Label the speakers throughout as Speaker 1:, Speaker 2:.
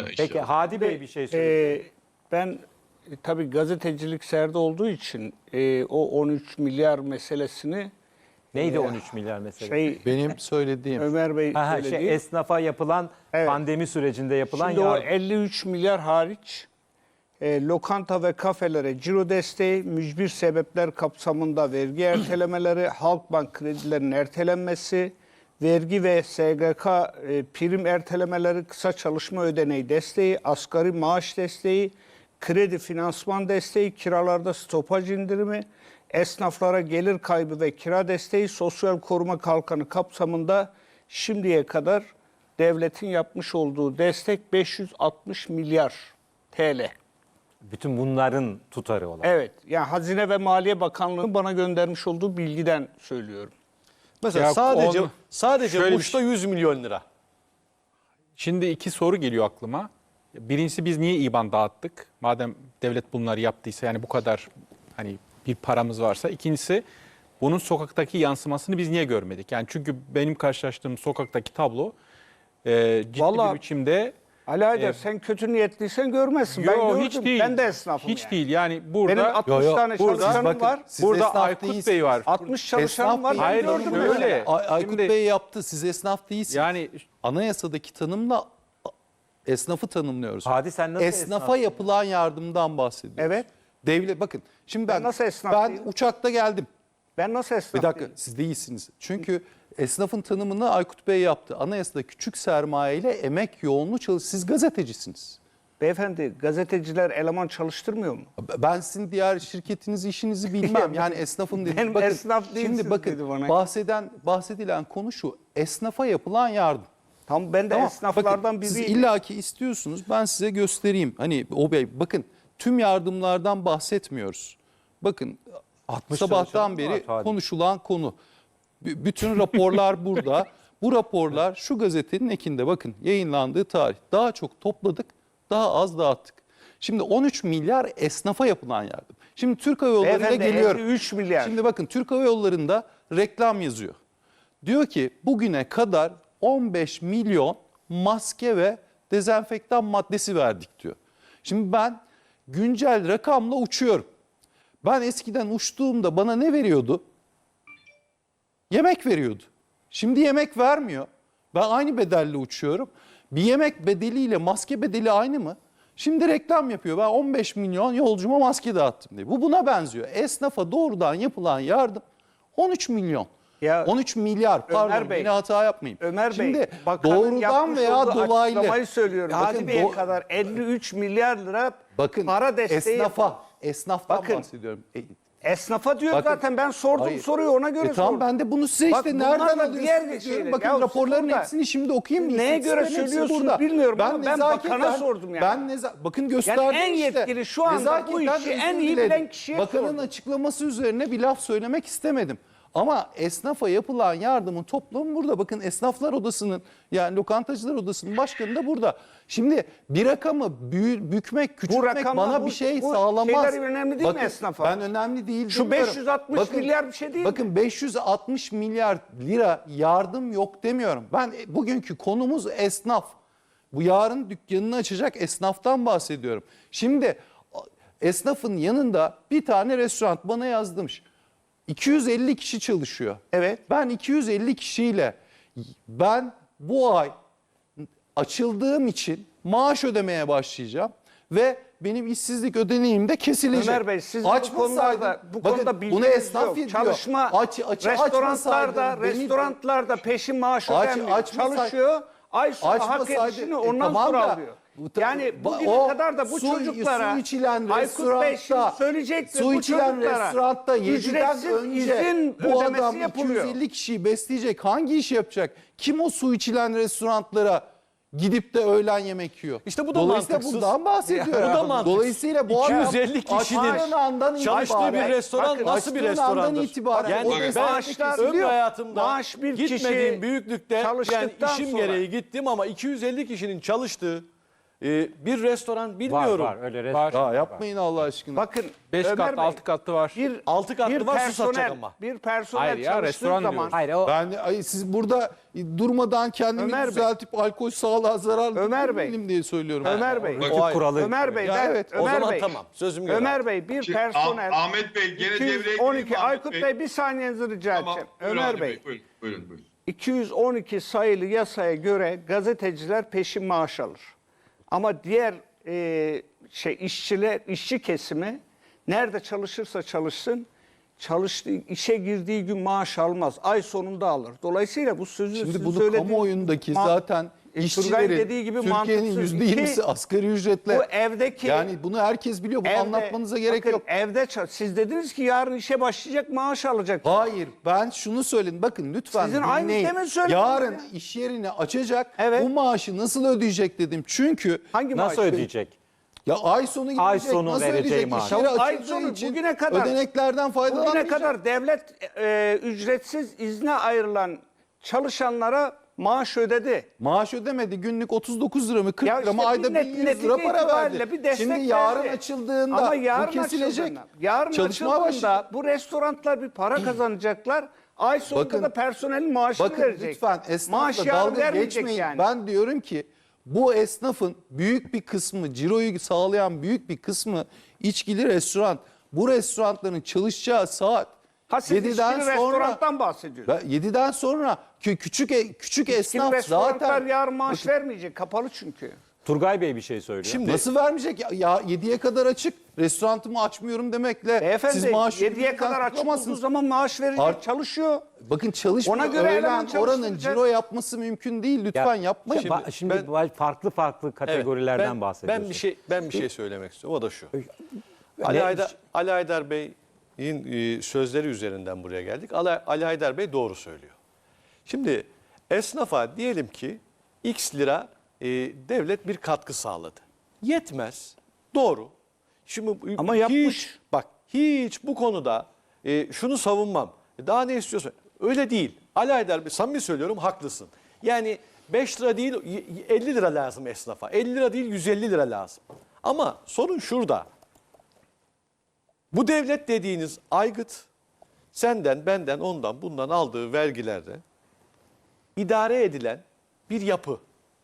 Speaker 1: Peki Hadi Bey bir şey söyleyeyim.
Speaker 2: Ben tabii gazetecilik serde olduğu için o 13 milyar meselesini
Speaker 1: Neydi 13 milyar meselesi?
Speaker 3: Benim söylediğim.
Speaker 2: Ömer Bey söyledi.
Speaker 1: Esnafa yapılan pandemi sürecinde yapılan
Speaker 2: Şimdi o
Speaker 1: yardım.
Speaker 2: 53 milyar hariç lokanta ve kafelere ciro desteği, mücbir sebepler kapsamında vergi ertelemeleri, Halkbank kredilerinin ertelenmesi, vergi ve SGK prim ertelemeleri, kısa çalışma ödeneği desteği, asgari maaş desteği, kredi finansman desteği, kiralarda stopaj indirimi, esnaflara gelir kaybı ve kira desteği, sosyal koruma kalkanı kapsamında şimdiye kadar devletin yapmış olduğu destek 560 milyar TL.
Speaker 1: Bütün bunların tutarı olan.
Speaker 2: Evet, yani Hazine ve Maliye Bakanlığı'nın bana göndermiş olduğu bilgiden söylüyorum.
Speaker 4: Mesela
Speaker 5: Ya
Speaker 4: sadece
Speaker 5: şöyle bir
Speaker 4: Muş'ta 100 milyon lira.
Speaker 5: Şimdi iki soru geliyor aklıma. Birincisi biz niye IBAN dağıttık? Madem devlet bunları yaptıysa yani bu kadar hani bir paramız varsa. İkincisi bunun sokaktaki yansımasını biz niye görmedik? Yani çünkü benim karşılaştığım sokaktaki tablo ciddi
Speaker 2: Vallahi
Speaker 5: bir biçimde
Speaker 2: Ali Aydar sen kötü niyetliysen görmezsin. Ben gördüm.
Speaker 5: hiç değil.
Speaker 2: Ben de esnafım
Speaker 5: Hiç
Speaker 2: yani.
Speaker 5: değil. Yani burada
Speaker 2: Benim 60 tane çalışanım var.
Speaker 5: burada Aykut Bey var.
Speaker 2: 60 çalışanım var. Ben
Speaker 5: Hayır,
Speaker 2: gördüm
Speaker 5: şöyle.
Speaker 2: mesela.
Speaker 3: Aykut
Speaker 5: Şimdi-
Speaker 3: Bey yaptı. Siz esnaf değilsiniz.
Speaker 5: Yani
Speaker 3: Anayasadaki tanımla esnafı tanımlıyoruz.
Speaker 1: Hadi sen nasıl
Speaker 3: Esnafa
Speaker 1: esnaf?
Speaker 3: yapılan yardımdan bahsediyoruz.
Speaker 2: Evet.
Speaker 3: Devlet bakın. Şimdi
Speaker 2: Ben nasıl esnaf
Speaker 3: ben
Speaker 2: değilim?
Speaker 3: uçakta geldim.
Speaker 2: Ben nasıl esnaf
Speaker 3: Bir dakika
Speaker 2: değilim?
Speaker 3: siz değilsiniz. Çünkü esnafın tanımını Aykut Bey yaptı. Anayasada küçük sermaye ile emek yoğunluğu siz gazetecisiniz.
Speaker 2: Beyefendi gazeteciler eleman çalıştırmıyor mu?
Speaker 3: Ben sizin diğer şirketinizi, işinizi bilmem. Yani esnafım dedim.
Speaker 2: Benim esnaf değilsiniz
Speaker 3: şimdi bakın,
Speaker 2: dedi bana.
Speaker 3: bahsedilen konu şu. Esnafa yapılan yardım.
Speaker 2: Tam ben de
Speaker 3: Tamam,
Speaker 2: esnaflardan
Speaker 3: bakın, siz
Speaker 2: biriyim.
Speaker 3: illaki istiyorsunuz. Ben size göstereyim. Hani o bey bakın tüm yardımlardan bahsetmiyoruz. Bakın
Speaker 1: 60
Speaker 3: sabahtan
Speaker 1: çalışanım
Speaker 3: beri
Speaker 1: var, Hadi.
Speaker 3: konuşulan konu. Bütün raporlar burada. Bu raporlar şu gazetenin ekinde bakın yayınlandığı tarih. Daha çok topladık, daha az dağıttık. Şimdi 13 milyar esnafa yapılan yardım. Şimdi Türk Hava Yolları'na
Speaker 2: Beyefendi,
Speaker 3: geliyorum.
Speaker 2: 53 milyar.
Speaker 3: Şimdi bakın Türk Hava Yolları'nda reklam yazıyor. Diyor ki bugüne kadar 15 milyon maske ve dezenfektan maddesi verdik diyor. Şimdi ben güncel rakamla uçuyorum. Ben eskiden uçtuğumda bana ne veriyordu? Yemek veriyordu. Şimdi yemek vermiyor. Ben aynı bedelle uçuyorum. Bir yemek bedeliyle maske bedeli aynı mı? Şimdi reklam yapıyor. Ben 15 milyon yolcuma maske dağıttım diye. Bu buna benziyor. Esnafa doğrudan yapılan yardım 13 milyon.
Speaker 2: Ya,
Speaker 3: 13 milyar pardon
Speaker 2: Bey,
Speaker 3: yine hata yapmayayım.
Speaker 2: Ömer
Speaker 3: Şimdi
Speaker 2: Bey, bakanın
Speaker 3: doğrudan
Speaker 2: yapmış
Speaker 3: veya
Speaker 2: olduğu
Speaker 3: dolaylı.
Speaker 2: açıklamayı söylüyorum.
Speaker 3: Bakın,
Speaker 2: Hadi Bey'e kadar 53 milyar lira
Speaker 3: bakın
Speaker 2: para desteği
Speaker 3: esnaftan
Speaker 2: Bakın,
Speaker 3: bahsediyorum.
Speaker 2: Esnafa diyor
Speaker 3: Bakın,
Speaker 2: zaten ben sordum
Speaker 3: hayır.
Speaker 2: soruyu ona göre
Speaker 3: Tamam
Speaker 2: sordum.
Speaker 3: ben de bunu size
Speaker 2: Bak,
Speaker 3: işte
Speaker 2: bunlar
Speaker 3: nereden
Speaker 2: da diğer
Speaker 3: alıyorsunuz
Speaker 2: şeyler.
Speaker 3: diyorum. Bakın
Speaker 2: Ya
Speaker 3: raporların
Speaker 2: siz burada-
Speaker 3: hepsini şimdi okuyayım mı?
Speaker 2: Neye göre
Speaker 3: İstatistiklerin hepsi
Speaker 2: söylüyorsunuz
Speaker 3: burada.
Speaker 2: bilmiyorum ama ben
Speaker 3: nezaketen-
Speaker 2: bakana sordum yani.
Speaker 3: Bakın gösterdim
Speaker 2: en
Speaker 3: işte.
Speaker 2: yetkili şu anda bu
Speaker 3: Nezaketen
Speaker 2: işi en
Speaker 3: özür
Speaker 2: iyi
Speaker 3: dilerim.
Speaker 2: bilen kişiye
Speaker 3: Bakanın
Speaker 2: sordum.
Speaker 3: açıklaması üzerine bir laf söylemek istemedim. Ama esnafa yapılan yardımın toplamı burada. Bakın esnaflar odasının yani lokantacılar odasının başkanı da burada. Şimdi bir rakamı bükmek, küçültmek
Speaker 2: rakamlar,
Speaker 3: bana
Speaker 2: bu-
Speaker 3: bir şey
Speaker 2: bu
Speaker 3: sağlamaz.
Speaker 2: şeyler önemli değil mi esnafa?
Speaker 3: Ben önemli değil
Speaker 2: Şu
Speaker 3: demiyorum.
Speaker 2: 560 milyar bir şey değil mi?
Speaker 3: Bakın 560 milyar lira yardım yok demiyorum. Ben bugünkü konumuz esnaf. Bu yarın dükkanını açacak esnaftan bahsediyorum. Şimdi esnafın yanında bir tane restoran bana yazdırmış. 250 kişi çalışıyor.
Speaker 2: Evet.
Speaker 3: Ben 250 kişiyle ben bu ay açıldığım için maaş ödemeye başlayacağım ve benim işsizlik ödeneğim de kesilecek.
Speaker 2: Ömer Bey siz bu
Speaker 3: Açmasaydım-
Speaker 2: konularda bu
Speaker 3: bakın,
Speaker 2: konuda
Speaker 3: bunu
Speaker 2: bilginiz
Speaker 3: esnaf
Speaker 2: yok.
Speaker 3: diyor.
Speaker 2: Çalışma
Speaker 3: Açmasaydım beni-
Speaker 2: restoranlarda peşin maaş ödemiyor.
Speaker 3: açmasay-
Speaker 2: Çalışıyor. Ay sonu hak
Speaker 3: Açmasaydı-
Speaker 2: edişini ondan
Speaker 3: tamam
Speaker 2: sonra
Speaker 3: da-
Speaker 2: alıyor.
Speaker 3: Bu
Speaker 2: Yani bugüne
Speaker 3: o
Speaker 2: kadar da bu çocuklara
Speaker 3: su içilen
Speaker 2: Aykut Bey şimdi
Speaker 3: restoranda
Speaker 2: söyleyecektir
Speaker 3: su
Speaker 2: bu
Speaker 3: içilen
Speaker 2: çocuklara
Speaker 3: restoranda 7'den
Speaker 2: ücretsiz
Speaker 3: önce
Speaker 2: izin
Speaker 3: bu
Speaker 2: ödemesi
Speaker 3: adam
Speaker 2: yapılıyor.
Speaker 3: 250 kişiyi besleyecek hangi iş yapacak? Kim o su içilen restoranlara gidip de öğlen yemek yiyor?
Speaker 4: İşte bu da
Speaker 3: Dolayısıyla
Speaker 4: mantıksız.
Speaker 3: bundan bahsediyorum.
Speaker 4: Bu da mantıksız.
Speaker 3: Dolayısıyla bu adam
Speaker 4: 250 kişinin
Speaker 3: açtığın andan
Speaker 4: çalıştığı bir
Speaker 3: itibaren-
Speaker 4: restoran
Speaker 3: Bakın,
Speaker 4: nasıl bir
Speaker 3: açtığın andan
Speaker 4: restorandır?
Speaker 3: itibaren
Speaker 4: Yani
Speaker 3: o
Speaker 4: ben
Speaker 3: destek
Speaker 4: ömrü
Speaker 3: kesiliyor.
Speaker 4: hayatımda
Speaker 2: Maaş bir
Speaker 4: gitmediğim
Speaker 2: kişi
Speaker 4: büyüklükte yani
Speaker 2: çalıştıktan
Speaker 4: işim
Speaker 2: sonra-
Speaker 4: gereği gittim ama 250 kişinin çalıştığı Bir restoran
Speaker 1: Var
Speaker 4: bilmiyorum.
Speaker 1: var öyle
Speaker 5: Var.
Speaker 3: Ya yapmayın Allah aşkına.
Speaker 2: Bakın
Speaker 5: 5
Speaker 2: Ömer
Speaker 5: katlı
Speaker 2: Bey,
Speaker 5: 6 katlı var.
Speaker 2: bir
Speaker 4: 6 katlı var, su satacak
Speaker 2: personel,
Speaker 4: ama.
Speaker 2: bir personel
Speaker 5: Hayır ya,
Speaker 2: çalıştığı
Speaker 5: restoran
Speaker 2: zaman
Speaker 5: diyoruz.
Speaker 1: Hayır o
Speaker 3: Siz burada durmadan kendimi
Speaker 2: Ömer Bey.
Speaker 3: düzeltip alkol sağlığa zararlı
Speaker 2: Ömer
Speaker 3: değilim diye söylüyorum.
Speaker 2: Ömer Bey,
Speaker 1: rütük
Speaker 4: ayrı.
Speaker 1: kuralı.
Speaker 2: Ömer Bey,
Speaker 3: Ya
Speaker 2: ben,
Speaker 3: evet,
Speaker 4: O
Speaker 2: Ömer
Speaker 4: zaman
Speaker 2: Bey,
Speaker 4: tamam. Sözüm göre.
Speaker 2: Ömer Bey bir personel
Speaker 6: Ahmet Bey gene devreye gireyim mi
Speaker 2: 212
Speaker 6: Ahmet
Speaker 2: Aykut Bey bir saniyenizi rica
Speaker 6: Tamam,
Speaker 2: edeceğim.
Speaker 6: buyurun
Speaker 2: Ömer
Speaker 6: Ahmet
Speaker 2: Bey,
Speaker 6: Buyurun, buyurun.
Speaker 2: 212 sayılı yasaya göre gazeteciler peşin maaş alır. Ama diğer işçi kesimi nerede çalışırsa çalışsın, çalıştığı işe girdiği gün maaş almaz. Ay sonunda alır. Dolayısıyla bu sözü
Speaker 3: Şimdi
Speaker 2: sizin
Speaker 3: bunu
Speaker 2: söylediğiniz
Speaker 3: kamuoyundaki
Speaker 2: ma-
Speaker 3: zaten
Speaker 2: Turgay'ın
Speaker 3: işçilerin
Speaker 2: dediği gibi
Speaker 3: Türkiye'nin
Speaker 2: mantıksız.
Speaker 3: %20'si
Speaker 2: İki,
Speaker 3: asgari ücretle.
Speaker 2: bu evdeki-
Speaker 3: yani bunu herkes biliyor. Bunu anlatmanıza gerek
Speaker 2: bakın,
Speaker 3: yok.
Speaker 2: siz dediniz ki yarın işe başlayacak maaş alacak.
Speaker 3: Hayır, ben şunu söyledim. Bakın lütfen
Speaker 2: Sizin aynı
Speaker 3: dinleyin.
Speaker 2: demin söylediniz
Speaker 3: Yarın
Speaker 2: ya.
Speaker 3: iş yerini açacak.
Speaker 2: Evet.
Speaker 3: Bu maaşı nasıl ödeyecek dedim. Çünkü
Speaker 2: Hangi
Speaker 1: nasıl
Speaker 2: maaş?
Speaker 1: ödeyecek?
Speaker 3: ya ay sonu gidecek.
Speaker 1: Ay sonu
Speaker 3: nasıl
Speaker 1: vereceği
Speaker 3: ödeyecek?
Speaker 1: maaş.
Speaker 3: İş yeri
Speaker 2: Ay
Speaker 3: açıldığı
Speaker 2: sonu
Speaker 3: için
Speaker 2: bugüne kadar-
Speaker 3: ödeneklerden faydalanmayacak.
Speaker 2: Bugüne kadar devlet ücretsiz izne ayrılan çalışanlara maaş ödedi.
Speaker 3: Maaş ödemedi. Günlük 39 lira mı 40
Speaker 2: Ya
Speaker 3: lira mı
Speaker 2: işte
Speaker 3: ayda
Speaker 2: bir
Speaker 3: 1100
Speaker 2: netice
Speaker 3: lira para
Speaker 2: itibariyle
Speaker 3: verdi.
Speaker 2: bir destek
Speaker 3: Şimdi yarın
Speaker 2: verdi.
Speaker 3: açıldığında
Speaker 2: Ama
Speaker 3: bu
Speaker 2: yarın
Speaker 3: kesilecek.
Speaker 2: yarın
Speaker 3: Çalışmaya
Speaker 2: açıldığında
Speaker 3: başlayacak.
Speaker 2: bu restoranlar bir para kazanacaklar. Ay sonunda
Speaker 3: Bakın-
Speaker 2: da personelin maaşını
Speaker 3: Bakın
Speaker 2: verecek.
Speaker 3: lütfen
Speaker 2: Maaş
Speaker 3: esnafla
Speaker 2: yarın
Speaker 3: dalga
Speaker 2: vermeyecek
Speaker 3: geçmeyin.
Speaker 2: yani.
Speaker 3: Ben diyorum ki bu esnafın büyük bir kısmı, ciroyu sağlayan büyük bir kısmı içkili restoran. Bu restoranların çalışacağı saat
Speaker 2: Ha siz
Speaker 3: 7'den
Speaker 2: içkili
Speaker 3: sonra
Speaker 2: restorandan bahsediyorsunuz.
Speaker 3: 7'den sonra küçük
Speaker 2: İçkili
Speaker 3: esnaf
Speaker 2: restoranlar
Speaker 3: zaten
Speaker 2: yarın maaş vermeyecek. Kapalı çünkü.
Speaker 1: Turgay Bey bir şey söylüyor.
Speaker 4: Şimdi
Speaker 3: nasıl vermeyecek? Ya 7'ye kadar açık. Restoranımı açmıyorum demekle
Speaker 2: Beyefendi
Speaker 3: siz maaş
Speaker 2: 7'ye kadar açık olduğu zaman maaş verecek. Çalışıyor.
Speaker 3: Bakın çalışmıyor.
Speaker 2: Ona göre eleman
Speaker 3: Öğlen oranın
Speaker 2: çalıştıracak.
Speaker 3: ciro yapması mümkün değil. Lütfen yapmayın.
Speaker 1: Şimdi farklı farklı bahsediyorsun.
Speaker 4: ben bir şey söylemek istiyorum. O da şu.
Speaker 1: Ne-
Speaker 4: Ali Haydar Bey'in sözleri üzerinden buraya geldik. Ali Haydar Bey doğru söylüyor. Şimdi esnafa diyelim ki X lira devlet bir katkı sağladı. Yetmez. Doğru. Şimdi
Speaker 2: Ama yapmış.
Speaker 4: Hiç bu konuda şunu savunmam. Daha ne istiyorsun? Öyle değil. Ali Haydar Bey samimi söylüyorum haklısın. Yani 5 lira değil 50 lira lazım esnafa. 50 lira değil 150 lira lazım. Ama sorun şurada. Bu devlet dediğiniz aygıt senden, benden, ondan, bundan aldığı vergilerle idare edilen bir yapı.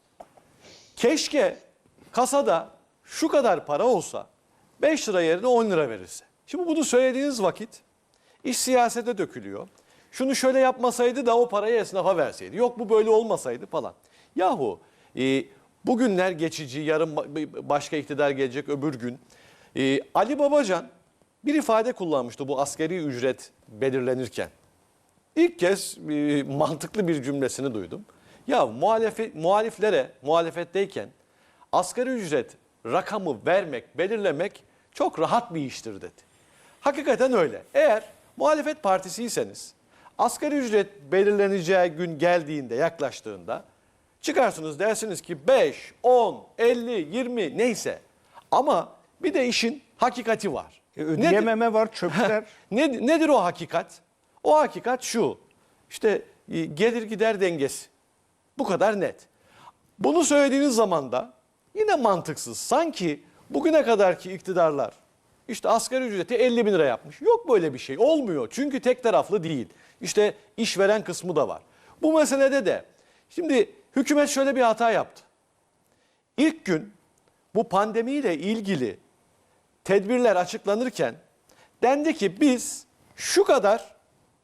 Speaker 4: Keşke kasada şu kadar para olsa 5 lira yerine 10 lira verirse. Şimdi bunu söylediğiniz vakit iş siyasete dökülüyor. Şunu şöyle yapmasaydı da o parayı esnafa verseydi. Yok bu böyle olmasaydı falan. Yahu bugünler geçici, yarın başka iktidar gelecek öbür gün. Ali Babacan bir ifade kullanmıştı bu asgari ücret belirlenirken. İlk kez mantıklı bir cümlesini duydum. Ya muhalefetteyken asgari ücret rakamı vermek, belirlemek çok rahat bir iştir dedi. Hakikaten öyle. Eğer muhalefet partisiyseniz asgari ücret belirleneceği gün geldiğinde, yaklaştığında çıkarsınız dersiniz ki 5, 10, 50, 20 neyse. Ama bir de işin hakikati var.
Speaker 2: Ödeyememe var çöpler.
Speaker 4: Nedir o hakikat? O hakikat şu. İşte gelir gider dengesi. Bu kadar net. Bunu söylediğiniz zaman da yine mantıksız. Sanki bugüne kadarki iktidarlar işte asgari ücreti 50 bin lira yapmış. Yok böyle bir şey. Olmuyor. Çünkü tek taraflı değil. İşte işveren kısmı da var. Bu meselede de şimdi hükümet şöyle bir hata yaptı. İlk gün bu pandemiyle ilgili tedbirler açıklanırken dendi ki biz şu kadar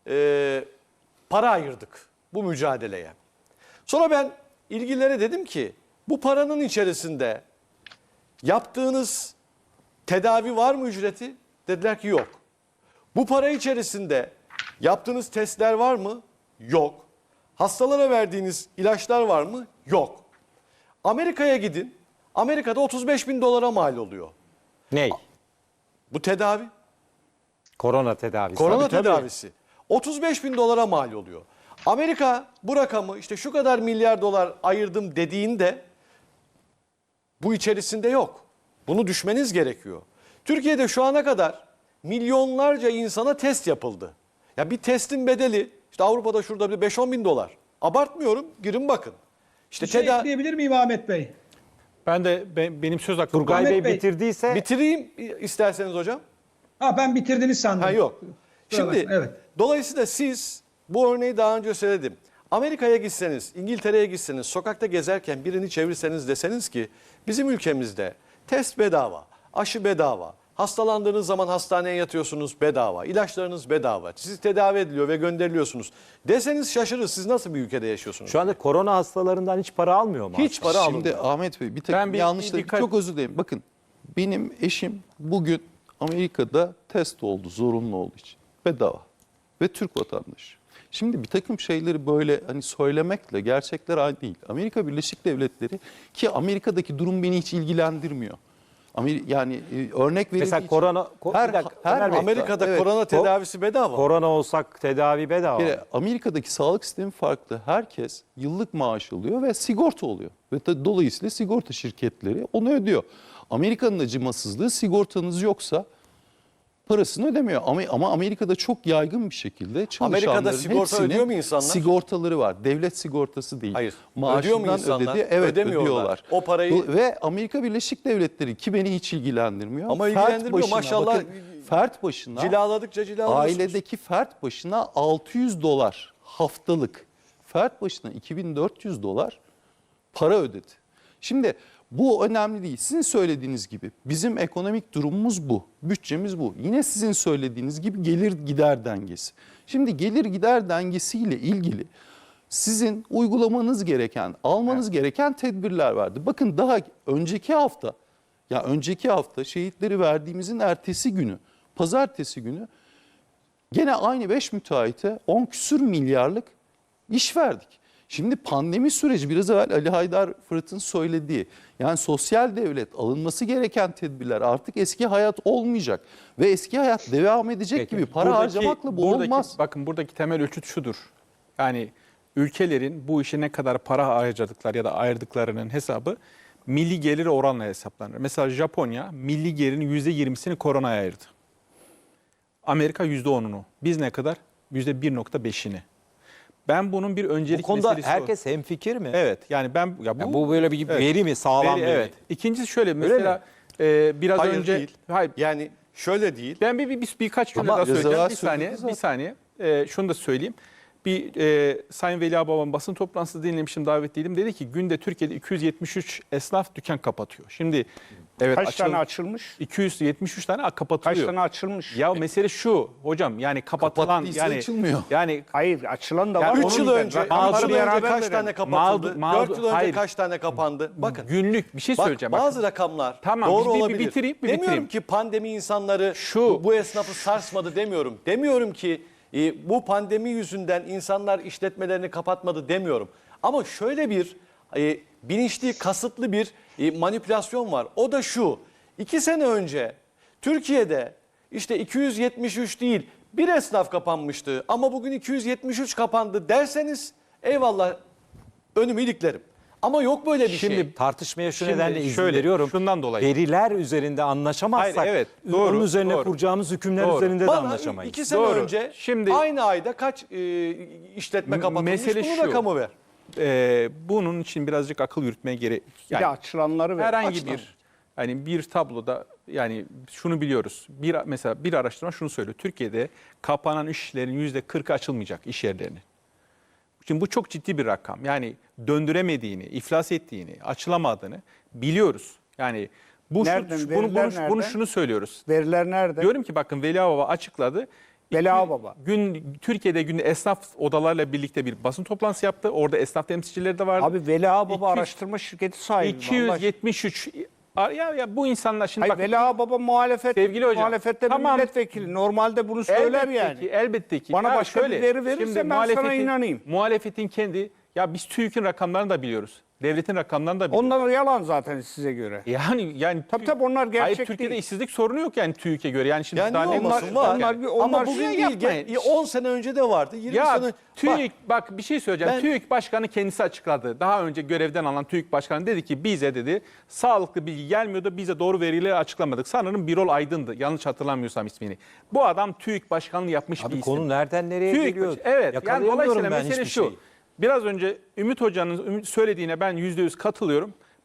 Speaker 4: para ayırdık bu mücadeleye. Sonra ben ilgililere dedim ki bu paranın içerisinde yaptığınız tedavi var mı ücreti? Dediler ki yok. Bu para içerisinde yaptığınız testler var mı? Yok. Hastalara verdiğiniz ilaçlar var mı? Yok. Amerika'ya gidin. Amerika'da 35 bin dolara mal oluyor.
Speaker 1: Ney?
Speaker 4: Bu tedavi.
Speaker 1: Korona tedavisi.
Speaker 4: Korona
Speaker 1: Tabii, tabii.
Speaker 4: tedavisi. 35 bin dolara mal oluyor. Amerika bu rakamı işte şu kadar milyar dolar ayırdım dediğinde bu içerisinde yok. Bunu düşmeniz gerekiyor. Türkiye'de şu ana kadar milyonlarca insana test yapıldı. Ya bir testin bedeli işte Avrupa'da şurada bir 5-10 bin dolar. Abartmıyorum, girin bakın. İşte
Speaker 7: Bir şey ekleyebilir miyim Ahmet Bey?
Speaker 5: benim söz hakkım.
Speaker 1: Turgay
Speaker 7: Ahmet
Speaker 1: Bey
Speaker 7: Bey,
Speaker 1: bitirdiyse
Speaker 4: Bitireyim isterseniz hocam.
Speaker 7: Ben bitirdiniz sandım.
Speaker 4: Ha yok.
Speaker 7: Kusura
Speaker 4: Şimdi
Speaker 7: bakma, evet.
Speaker 4: dolayısıyla siz bu örneği daha önce söyledim. Amerika'ya gitseniz, İngiltere'ye gitseniz, sokakta gezerken birini çevirseniz deseniz ki bizim ülkemizde test bedava, aşı bedava, hastalandığınız zaman hastaneye yatıyorsunuz bedava, ilaçlarınız bedava, sizi tedavi ediliyor ve gönderiliyorsunuz deseniz şaşırır. Siz nasıl bir ülkede yaşıyorsunuz?
Speaker 1: şu anda korona hastalarından hiç para almıyor mu?
Speaker 4: Hiç para
Speaker 3: Şimdi
Speaker 4: alınmıyor.
Speaker 3: Ahmet Bey bir
Speaker 5: Ben
Speaker 3: takım
Speaker 5: bir
Speaker 3: yanlışlar,
Speaker 5: dikkat-
Speaker 3: çok özür dilerim. Bakın benim eşim bugün Amerika'da test oldu zorunlu olduğu için. Bedava. Ve Türk vatandaşı. Şimdi bir takım şeyleri böyle hani söylemekle gerçekler aynı değil. Amerika Birleşik Devletleri ki Amerika'daki durum beni hiç ilgilendirmiyor. Yani örnek verildiği
Speaker 1: Mesela
Speaker 3: için-
Speaker 1: korona
Speaker 3: Her-
Speaker 1: bir dakika,
Speaker 3: her
Speaker 1: Ömer Bey,
Speaker 4: Amerika'da
Speaker 3: Evet.
Speaker 4: korona tedavisi bedava.
Speaker 1: korona olsak tedavi bedava.
Speaker 3: Bir kere Amerika'daki sağlık sistemi farklı. Herkes yıllık maaş alıyor ve sigorta oluyor. Ve dolayısıyla sigorta şirketleri onu ödüyor. Amerika'nın acımasızlığı sigortanız yoksa parasını ödemiyor. Ama Amerika'da çok yaygın bir şekilde çalışanların
Speaker 4: Amerika'da sigorta
Speaker 3: hepsinin
Speaker 4: ödüyor mu insanlar?
Speaker 3: sigortaları var. Devlet sigortası değil.
Speaker 4: Hayır.
Speaker 3: Maaşından
Speaker 4: Ödüyor mu insanlar?
Speaker 3: Evet
Speaker 4: Ödemiyorlar.
Speaker 3: ödüyorlar.
Speaker 4: O parayı-
Speaker 3: Ve Amerika Birleşik Devletleri ki beni hiç ilgilendirmiyor.
Speaker 4: Ama
Speaker 3: Fert
Speaker 4: ilgilendirmiyor,
Speaker 3: başına,
Speaker 4: maşallah.
Speaker 3: bakın, fert başına
Speaker 4: Cilaladıkça cilalıyorsunuz.
Speaker 3: ailedeki fert başına $600 haftalık, fert başına $2.400 para ödedi. Şimdi bu önemli değil. Sizin söylediğiniz gibi bizim ekonomik durumumuz bu, bütçemiz bu. Yine sizin söylediğiniz gibi gelir gider dengesi. Şimdi gelir gider dengesiyle ilgili sizin uygulamanız gereken, almanız gereken tedbirler vardı. Bakın daha önceki hafta şehitleri verdiğimizin ertesi günü, pazartesi günü gene aynı 5 müteahhite 10 küsür milyarlık iş verdik. Şimdi pandemi süreci biraz evvel Ali Haydar Fırat'ın söylediği yani sosyal devlet alınması gereken tedbirler artık eski hayat olmayacak ve eski hayat devam edecek
Speaker 1: Peki.
Speaker 3: gibi para harcamakla bu olmaz.
Speaker 5: Bakın buradaki temel ölçüt şudur. Yani ülkelerin bu işe ne kadar para harcadıkları ya da ayırdıklarının hesabı milli gelir oranla hesaplanır. Mesela Japonya milli gelirin %20'sini koronaya ayırdı. Amerika %10'unu. Biz ne kadar? %1.5'ini. Ben bunun bir öncelik
Speaker 1: Bu konuda
Speaker 5: meselesi
Speaker 1: herkes hemfikir mi?
Speaker 5: Evet yani ben
Speaker 1: Ya bu böyle bir
Speaker 5: Evet.
Speaker 1: veri mi? Sağlam
Speaker 5: veri,
Speaker 1: veri.
Speaker 5: evet. İkincisi şöyle
Speaker 1: mi?
Speaker 5: mesela biraz
Speaker 4: Hayır
Speaker 5: önce
Speaker 4: değil.
Speaker 5: hayır
Speaker 4: Yani şöyle değil.
Speaker 5: ben birkaç cümle
Speaker 3: Ama
Speaker 5: daha söyleyeceğim.
Speaker 3: Rıza
Speaker 5: Bir saniye,
Speaker 3: söyledi
Speaker 5: bir saniye. Şunu da söyleyeyim. Sayın Veli Ağabey'in basın toplantısında dinlemiştim, davetliydim. Dedi ki günde Türkiye'de 273 esnaf dükkan kapatıyor. Şimdi evet
Speaker 2: Kaç tane açılmış?
Speaker 5: 273 tane
Speaker 2: Kaç
Speaker 5: kapatılıyor.
Speaker 2: tane açılmış?
Speaker 5: Ya mesele şu hocam yani kapatılan
Speaker 3: Kapattıysa
Speaker 5: yani
Speaker 3: açılmıyor.
Speaker 5: yani
Speaker 2: Hayır, açılan da
Speaker 5: Ya
Speaker 2: var.
Speaker 4: 3
Speaker 2: Onu
Speaker 4: yıl
Speaker 2: ben-
Speaker 4: önce,
Speaker 2: rakamları
Speaker 4: 3 yıl önce
Speaker 2: beraber
Speaker 4: kaç
Speaker 2: verelim.
Speaker 4: tane kapatıldı?
Speaker 5: Mağdur-
Speaker 4: 4 yıl önce
Speaker 5: hayır.
Speaker 4: kaç tane kapandı? Bakın.
Speaker 5: günlük bir şey
Speaker 4: Bak,
Speaker 5: söyleyeceğim.
Speaker 4: bazı rakamlar
Speaker 5: Tamam,
Speaker 4: doğru
Speaker 5: bir
Speaker 4: olabilir.
Speaker 5: bitireyim, bir
Speaker 4: demiyorum
Speaker 5: bitireyim.
Speaker 4: ki pandemi insanları
Speaker 5: Şu-
Speaker 4: bu esnafı sarsmadı demiyorum. Demiyorum ki bu pandemi yüzünden insanlar işletmelerini kapatmadı demiyorum. Ama şöyle bir bilinçli, kasıtlı bir manipülasyon var. O da şu. 2 sene önce Türkiye'de işte 273 değil bir esnaf kapanmıştı ama bugün 273 kapandı derseniz eyvallah önümü iliklerim. Ama yok böyle bir şey.
Speaker 5: Şimdi
Speaker 1: Tartışmaya şu
Speaker 5: Şimdi
Speaker 1: nedenle izin
Speaker 5: şöyle,
Speaker 1: veriyorum.
Speaker 5: şundan dolayı.
Speaker 1: Veriler üzerinde anlaşamazsak
Speaker 5: Hayır, evet,
Speaker 1: onun
Speaker 5: doğru,
Speaker 1: üzerine
Speaker 5: doğru.
Speaker 1: kuracağımız hükümler
Speaker 5: Doğru.
Speaker 1: üzerinde de
Speaker 4: Bana
Speaker 1: anlaşamayız.
Speaker 4: 2 sene
Speaker 5: Doğru.
Speaker 4: önce
Speaker 5: Şimdi-
Speaker 4: aynı ayda kaç işletme kapatılmış
Speaker 5: mesele
Speaker 4: bunun
Speaker 5: şu.
Speaker 4: rakamı ver.
Speaker 5: Bunun için birazcık akıl yürütmeye gerek.
Speaker 2: Bir de açılanları ver.
Speaker 5: herhangi
Speaker 2: Açılan.
Speaker 5: bir tabloda yani şunu biliyoruz. Mesela bir araştırma şunu söylüyor. Türkiye'de kapanan işlerin %40'ı açılmayacak iş yerlerinin. Şimdi bu çok ciddi bir rakam. Yani döndüremediğini, iflas ettiğini, açılamadığını biliyoruz. Yani
Speaker 2: Nereden? Veriler
Speaker 5: bunu
Speaker 2: nerede?
Speaker 5: şunu söylüyoruz.
Speaker 2: Veriler nerede?
Speaker 5: Diyorum ki bakın Veli Ağababa açıkladı.
Speaker 2: Veli Ağababa.
Speaker 5: Türkiye'de günde esnaf odalarla birlikte bir basın toplantısı yaptı. Orada esnaf temsilcileri de vardı.
Speaker 2: Abi Veli Ağababa
Speaker 5: 200
Speaker 2: araştırma şirketi sahibi. Allah aşkına.
Speaker 5: 273 ya bu insanlar şimdi
Speaker 2: Hayır,
Speaker 5: bakın,
Speaker 2: Veli Ağababa
Speaker 5: Sevgili hocam,
Speaker 2: muhalefette bir
Speaker 5: tamam.
Speaker 2: milletvekili. Normalde bunu söyler yani.
Speaker 5: Elbette ki.
Speaker 2: Bana
Speaker 5: Ya
Speaker 2: başka bir veri verirse
Speaker 5: şimdi
Speaker 2: ben sana inanayım.
Speaker 5: Muhalefetin kendi biz TÜİK'in rakamlarını da biliyoruz. Devletin rakamlarını da biliyoruz.
Speaker 2: Onlar yalan zaten size göre.
Speaker 5: Yani
Speaker 2: Tabii onlar gerçek
Speaker 5: Hayır, Türkiye'de
Speaker 2: değil.
Speaker 5: işsizlik sorunu yok yani TÜİK'e göre. Yani şimdi
Speaker 4: Yani
Speaker 5: daha
Speaker 4: ne
Speaker 5: ne
Speaker 4: olmasın
Speaker 2: onlar-
Speaker 4: var.
Speaker 2: onlar-
Speaker 4: Ama
Speaker 2: onlar
Speaker 4: bugün
Speaker 2: şey
Speaker 4: değil.
Speaker 5: yapmayın.
Speaker 4: 10 sene önce de vardı. 20
Speaker 5: Ya
Speaker 4: sene.
Speaker 5: TÜİK bak bir şey söyleyeceğim.
Speaker 4: Ben-
Speaker 5: TÜİK Başkanı kendisi açıkladı. Daha önce görevden alan TÜİK Başkanı dedi ki bize dedi sağlıklı bilgi gelmiyordu. Bize doğru verileri açıklamadık. Sanırım Birol Aydın'dı. Yanlış hatırlamıyorsam ismini. Bu adam TÜİK Başkanlığı yapmış bir
Speaker 1: Abi
Speaker 5: isim.
Speaker 1: konu nereden nereye
Speaker 5: TÜİK
Speaker 1: geliyor?
Speaker 5: evet. Yani
Speaker 1: Yakalayamıyorum
Speaker 5: dolayısıyla
Speaker 1: ben
Speaker 5: mesele
Speaker 1: hiçbir
Speaker 5: şu.
Speaker 1: şeyi.
Speaker 5: Biraz önce Ümit Hoca'nın söylediğine ben %100 katılıyorum.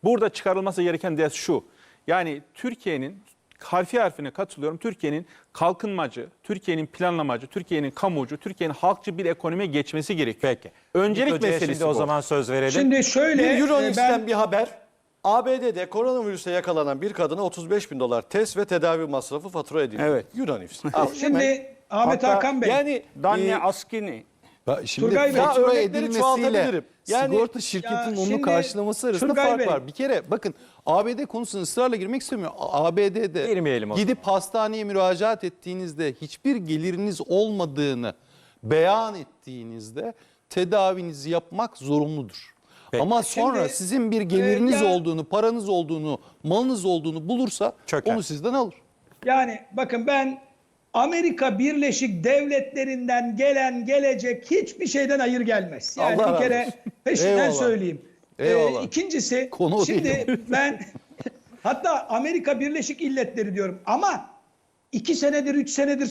Speaker 5: Burada çıkarılması gereken ders şu. Yani Türkiye'nin harfi harfine katılıyorum. Türkiye'nin kalkınmacı, Türkiye'nin planlamacı, Türkiye'nin kamucu, Türkiye'nin halkçı bir ekonomiye geçmesi gerekiyor.
Speaker 1: Peki.
Speaker 5: Öncelik
Speaker 1: Hocaya
Speaker 5: meselesi
Speaker 1: şimdi
Speaker 5: bu.
Speaker 1: o zaman söz verelim.
Speaker 7: Şimdi şöyle
Speaker 4: Bir Euronews'ten
Speaker 7: ben
Speaker 4: bir haber. ABD'de koronavirüse yakalanan bir kadına 35 bin dolar test ve tedavi masrafı fatura edildi.
Speaker 2: Evet.
Speaker 4: Euronews. Al, hemen.
Speaker 7: şimdi Ahmet
Speaker 2: Hatta
Speaker 7: Hakan Bey
Speaker 4: Yani
Speaker 2: Danne Askini.
Speaker 3: Şimdi
Speaker 7: Turgay Bey,
Speaker 3: fatura
Speaker 4: örnekleri
Speaker 3: edilmesiyle
Speaker 4: çoğaltabilirim. Yani-
Speaker 3: sigorta şirketinin
Speaker 7: Ya
Speaker 3: onu
Speaker 7: şimdi
Speaker 3: karşılaması arasında
Speaker 7: Turgay
Speaker 3: fark
Speaker 7: Bey-
Speaker 3: var. Bir kere bakın ABD konusuna ısrarla girmek istemiyorum. ABD'de
Speaker 1: Girmeyelim o
Speaker 3: gidip hastaneye müracaat ettiğinizde hiçbir geliriniz olmadığını beyan ettiğinizde tedavinizi yapmak zorunludur. Ama sonra
Speaker 7: Şimdi,
Speaker 3: sizin bir geliriniz
Speaker 7: ya-
Speaker 3: olduğunu, paranız olduğunu, malınız olduğunu bulursa
Speaker 1: Çöker.
Speaker 3: onu sizden alır.
Speaker 7: yani bakın ben Amerika Birleşik Devletleri'nden gelen gelecek hiçbir şeyden hayır gelmez. Yani
Speaker 3: Allah
Speaker 7: bir
Speaker 3: razı
Speaker 7: kere
Speaker 3: olsun.
Speaker 7: peşinden
Speaker 3: Eyvallah.
Speaker 7: söyleyeyim.
Speaker 3: Eyvallah.
Speaker 7: İkincisi
Speaker 3: Konu o
Speaker 7: şimdi
Speaker 3: değil.
Speaker 7: ben hatta Amerika Birleşik İlletleri diyorum ama 2 senedir 3 senedir